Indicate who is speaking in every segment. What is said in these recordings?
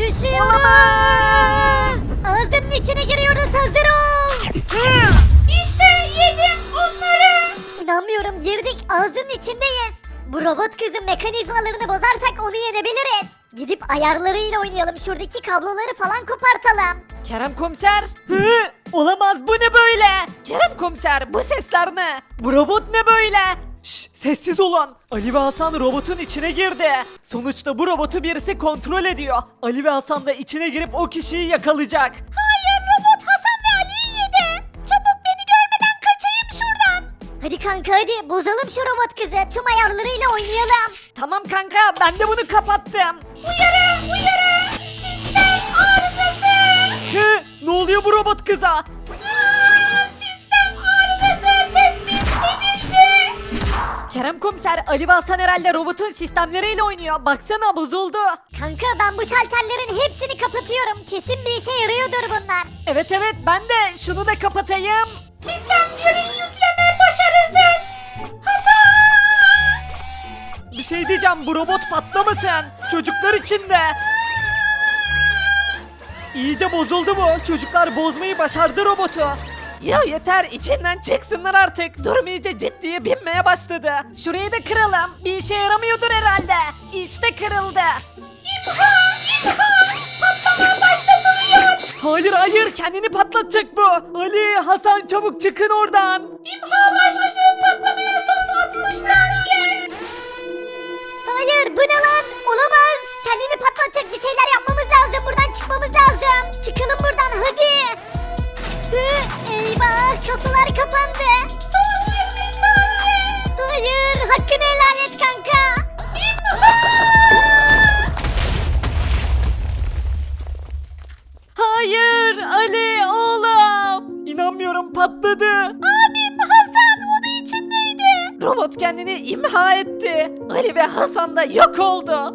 Speaker 1: Yaşıyoruz. Ağzının içine giriyoruz, hazır ol. İşte yedim onları. İnanmıyorum, girdik, ağzının içindeyiz. Bu robot kızın mekanizmalarını bozarsak onu yenebiliriz. Gidip ayarlarıyla oynayalım, şuradaki kabloları falan kopartalım.
Speaker 2: Kerem komiser. Olamaz, bu ne böyle? Kerem komiser, bu sesler ne? Bu robot ne böyle? Şş, sessiz olun. Ali ve Hasan robotun içine girdi. Sonuçta bu robotu birisi kontrol ediyor. Ali ve Hasan da içine girip o kişiyi yakalayacak.
Speaker 1: Hayır, robot Hasan ve Ali'yi yedi. Çabuk, beni görmeden kaçayım şuradan. Hadi kanka, hadi bozalım şu robot kızı, tüm ayarlarıyla oynayalım.
Speaker 2: Tamam kanka, ben de bunu kapattım.
Speaker 1: Uyarı, uyarı. Sistem arızası.
Speaker 2: Ne oluyor bu robot kıza?
Speaker 1: Sistem arızası tespit edildi.
Speaker 2: Kerem komiser, Ali ve Hasan herhalde robotun sistemleriyle oynuyor. Baksana, bozuldu.
Speaker 1: Kanka, ben bu şalterlerin hepsini kapatıyorum. Kesin bir işe yarıyordur bunlar.
Speaker 2: Evet, ben de şunu da kapatayım.
Speaker 1: Sistem ürün yükleme başarısız. Hata.
Speaker 2: Bir şey diyeceğim, bu robot patlamasın. Çocuklar için de. İyice bozuldu bu. Çocuklar bozmayı başardı robotu. Ya yeter, içinden çıksınlar artık. Durum iyice ciddiye binmeye başladı. Şurayı da kıralım. Bir işe yaramıyordur herhalde. İşte kırıldı.
Speaker 1: Patlama başlatılıyor.
Speaker 2: Hayır, kendini patlatacak bu. Ali, Hasan, çabuk çıkın oradan.
Speaker 1: İmha başladı. Patlamaya son 60 saniye. Hayır, bu ne lan? Olamaz. Kendini patlatacak bir şeyler yapmamız lazım. Buradan çıkmamız lazım. Çıkalım buradan, hadi. Eyvah, kapılar kapandı. Son 20 saniye. Hayır, hakkını helal et kanka.
Speaker 2: Hayır, Ali oğlum. İnanmıyorum, patladı.
Speaker 1: Abim Hasan o da içindeydi.
Speaker 2: Robot kendini imha etti. Ali ve Hasan da yok oldu.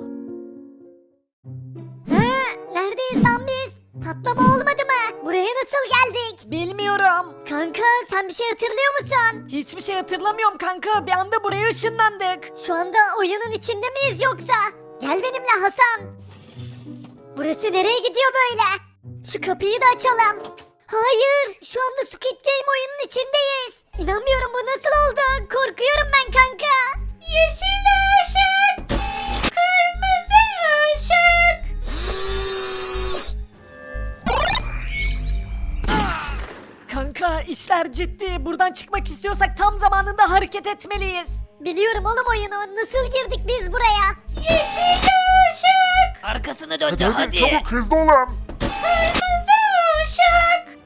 Speaker 1: Neredeyiz lan biz? Patlama olmadı mı? Buraya nasıl geldik?
Speaker 2: Bilmiyorum.
Speaker 1: Kanka, sen bir şey hatırlıyor musun?
Speaker 2: Hiçbir şey hatırlamıyorum kanka. Bir anda buraya ışınlandık.
Speaker 1: Şu anda oyunun içinde miyiz yoksa? Gel benimle Hasan. Burası nereye gidiyor böyle? Şu kapıyı da açalım. Hayır, şu anda Squid Game oyunun içindeyiz. İnanmıyorum, bu nasıl oldu? Korkuyorum ben kanka. Yeşil ışık, kırmızı ışık.
Speaker 2: Kanka, işler ciddi. Buradan çıkmak istiyorsak tam zamanında hareket etmeliyiz.
Speaker 1: Biliyorum oğlum oyunu. Nasıl girdik biz buraya? Yeşil ışık,
Speaker 2: Arkasını döndü,
Speaker 3: Hadi çabuk hızlı olun.
Speaker 1: kırmızı ışık.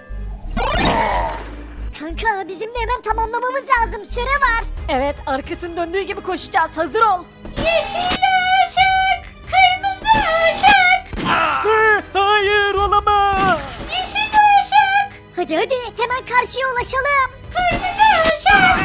Speaker 1: Kanka, bizim de hemen tamamlamamız lazım. Süre var.
Speaker 2: Evet, arkasını döndüğü gibi koşacağız. Hazır ol.
Speaker 1: Yeşil ışık, kırmızı ışık.
Speaker 2: Hayır, olamaz.
Speaker 1: Yeşil ışık. Hadi hemen karşıya ulaşalım. Kırmızı ışık.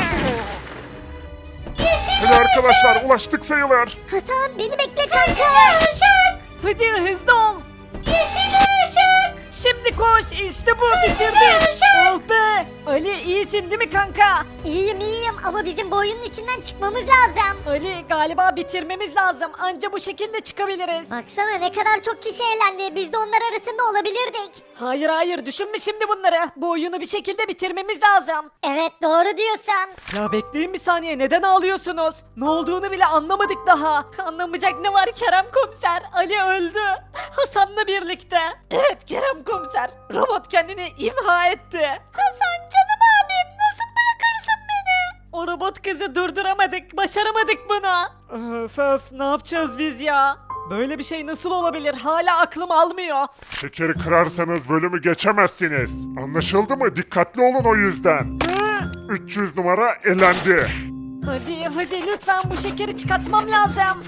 Speaker 1: Yeşil
Speaker 3: Hadi arkadaşlar ulaştık sayılır.
Speaker 1: Hasan, beni bekle kanka. Kırmızı ışık.
Speaker 2: Hadi hızlı ol.
Speaker 1: Yeşil ışık.
Speaker 2: Şimdi koş. İşte bu, bitirdik. Oh be. Ali, iyisin değil mi kanka?
Speaker 1: İyiyim ama bizim bu oyunun içinden çıkmamız lazım.
Speaker 2: Ali, galiba bitirmemiz lazım. Anca bu şekilde çıkabiliriz.
Speaker 1: Baksana ne kadar çok kişi eğlendi. Biz de onlar arasında olabilirdik.
Speaker 2: Hayır, düşünme şimdi bunları. Bu oyunu bir şekilde bitirmemiz lazım.
Speaker 1: Evet, doğru diyorsun.
Speaker 2: Ya bekleyin bir saniye, neden ağlıyorsunuz? Ne olduğunu bile anlamadık daha. Anlamayacak ne var Kerem komiser? Ali öldü. Hasan'la birlikte. Evet Kerem komiser. Robot kendini imha etti.
Speaker 1: Hasan canım abim, nasıl bırakırsın beni?
Speaker 2: O robot kızı durduramadık. Başaramadık bunu. Öf, ne yapacağız biz ya? Böyle bir şey nasıl olabilir? Hala aklım almıyor.
Speaker 3: Şekeri kırarsanız bölümü geçemezsiniz. Anlaşıldı mı? Dikkatli olun o yüzden. 300 numara elendi.
Speaker 2: Hadi lütfen, bu şekeri çıkartmam lazım.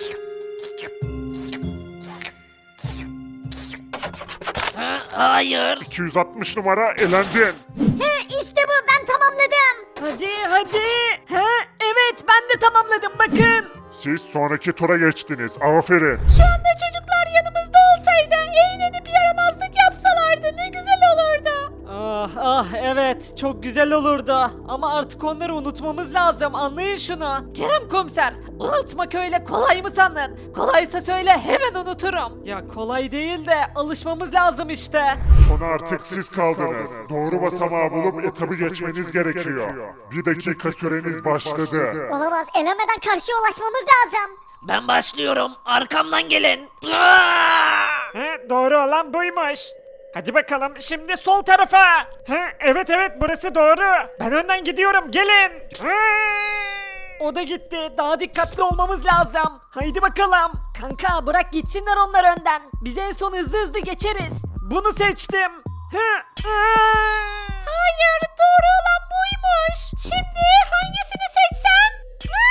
Speaker 2: Hayır.
Speaker 3: 260 numara elendin.
Speaker 1: İşte bu, ben tamamladım.
Speaker 2: Hadi. Evet, ben de tamamladım, bakın.
Speaker 3: Siz sonraki tura geçtiniz. Aferin.
Speaker 1: Şu anda çocuklar yanımızda olsaydı, eğlenip yaramazlık yapsalardı ne güzel olurdu.
Speaker 2: Ah evet. Evet, çok güzel olurdu. Ama artık onları unutmamız lazım. Anlayın şunu. Kerem komiser, unutmak öyle kolay mı sandın? Kolaysa söyle, hemen unuturum. Ya kolay değil de alışmamız lazım işte.
Speaker 3: Sona artık siz kaldınız. Doğru basamağı bulup etabı geçmeniz gerekiyor. 1 dakika süreniz başladı.
Speaker 1: Olamaz, elenmeden karşıya ulaşmamız lazım.
Speaker 4: Ben başlıyorum. Arkamdan gelin.
Speaker 2: Doğru olan buymuş. Hadi bakalım şimdi sol tarafa. Evet burası doğru. Ben önden gidiyorum, gelin. O da gitti. Daha dikkatli olmamız lazım. Haydi bakalım. Kanka bırak gitsinler onlar önden. Biz en son hızlı geçeriz. Bunu seçtim. Hayır, doğru olan buymuş. Şimdi hangisini seçsem?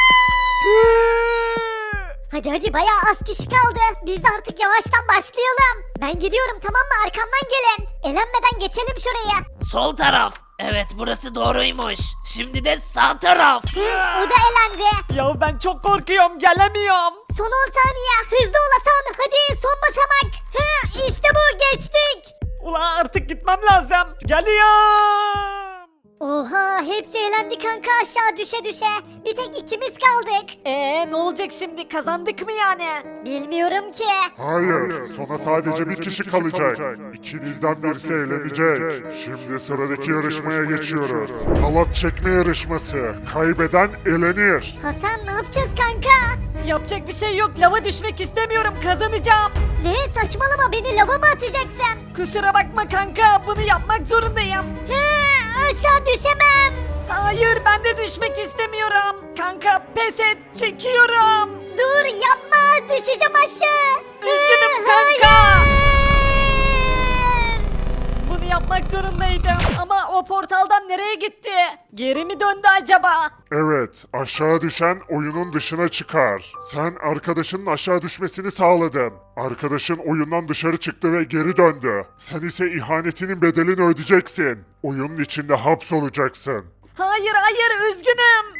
Speaker 1: Hadi bayağı az kişi kaldı. Biz de artık yavaştan başlayalım. Ben gidiyorum, tamam mı? Arkamdan gelin. Elenmeden geçelim şuraya.
Speaker 4: Sol taraf. Evet, burası doğruymuş. Şimdi de sağ taraf.
Speaker 1: O da elendi.
Speaker 2: Ya ben çok korkuyorum, gelemiyorum.
Speaker 1: Son 10 saniye. Hızlı ol Hasan. Hadi son basamak. İşte bu, geçtik.
Speaker 2: Ula artık gitmem lazım. Geliyorum.
Speaker 1: Oha, hepsi elendi kanka, aşağı düşe. Bir tek ikimiz kaldık.
Speaker 2: Ne olacak şimdi, kazandık mı yani?
Speaker 1: Bilmiyorum ki.
Speaker 3: Hayır, sona sadece bir kişi kalacak. İkinizden birisi eğlenecek. Şimdi sıradaki yarışmaya geçiyoruz. Halat çekme yarışması. Kaybeden elenir.
Speaker 1: Hasan, ne yapacağız kanka?
Speaker 2: Yapacak bir şey yok, lava düşmek istemiyorum, kazanacağım.
Speaker 1: Ne, saçmalama, beni lava mı atacaksın?
Speaker 2: Kusura bakma kanka, bunu yapmak zorundayım.
Speaker 1: Aşağı düşemem.
Speaker 2: Hayır, ben de düşmek istemiyorum. Kanka pes et, çekiyorum.
Speaker 1: Dur, yapma, düşeceğim aşağı.
Speaker 2: Üzgünüm kanka. Bunu yapmak zorundaydım ama o portaldan nereye gitti? Geri mi döndü acaba?
Speaker 3: Evet, aşağı düşen oyunun dışına çıkar. Sen arkadaşının aşağı düşmesini sağladın. Arkadaşın oyundan dışarı çıktı ve geri döndü. Sen ise ihanetinin bedelini ödeyeceksin. Oyunun içinde hapsolacaksın.
Speaker 2: Hayır, üzgünüm.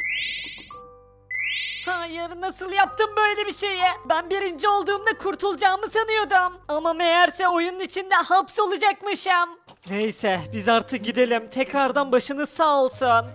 Speaker 2: Hayır, nasıl yaptım böyle bir şeyi? Ben birinci olduğumda kurtulacağımı sanıyordum. Ama meğerse oyunun içinde hapsolacakmışım. Neyse, biz artık gidelim. Tekrardan başınız sağ olsun.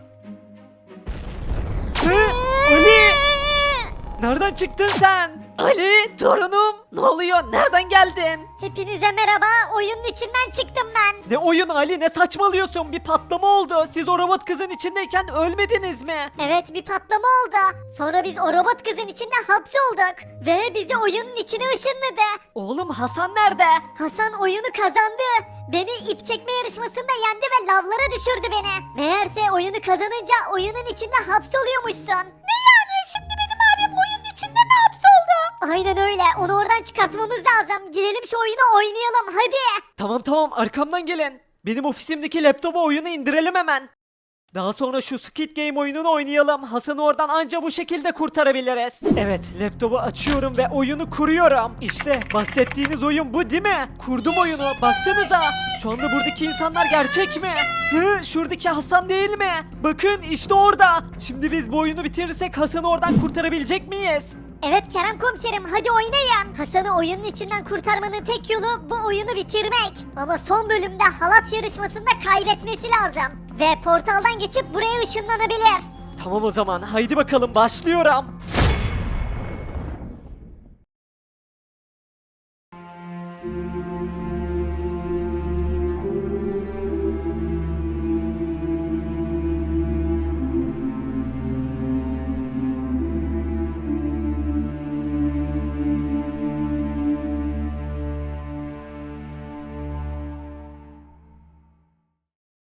Speaker 2: Ali! Nereden çıktın sen? Ali, torunum. Ne oluyor? Nereden geldin?
Speaker 1: Hepinize merhaba, oyunun içinden çıktım ben.
Speaker 2: Ne oyun Ali, ne saçmalıyorsun? Bir patlama oldu. Siz o robot kızın içindeyken ölmediniz mi?
Speaker 1: Evet, bir patlama oldu. Sonra biz o robot kızın içinde hapsolduk. Ve bizi oyunun içine ışınladı.
Speaker 2: Oğlum Hasan nerede?
Speaker 1: Hasan oyunu kazandı. Beni ip çekme yarışmasında yendi ve lavlara düşürdü beni. Meğerse oyunu kazanınca oyunun içinde hapsoluyormuşsun. Ne yani? Şimdi benim abim oyunun içinde mi hapsoldu? Aynen öyle. Onu oradan çıkartmamız lazım. Gidelim şu oyunu oynayalım hadi.
Speaker 2: Tamam, arkamdan gelin. Benim ofisimdeki laptopa oyunu indirelim hemen. Daha sonra şu Squid Game oyununu oynayalım. Hasan'ı oradan anca bu şekilde kurtarabiliriz. Evet, laptopu açıyorum ve oyunu kuruyorum. İşte bahsettiğiniz oyun bu değil mi? Kurdum oyunu, baksanıza. Şu anda buradaki insanlar gerçek mi? Şuradaki Hasan değil mi? Bakın işte orada. Şimdi biz bu oyunu bitirirsek Hasan'ı oradan kurtarabilecek miyiz?
Speaker 1: Evet Kerem komiserim, hadi oynayın. Hasan'ı oyunun içinden kurtarmanın tek yolu bu oyunu bitirmek. Ama son bölümde halat yarışmasında kaybetmesi lazım. Ve portaldan geçip buraya ışınlanabilir.
Speaker 2: Tamam o zaman, haydi bakalım başlıyorum.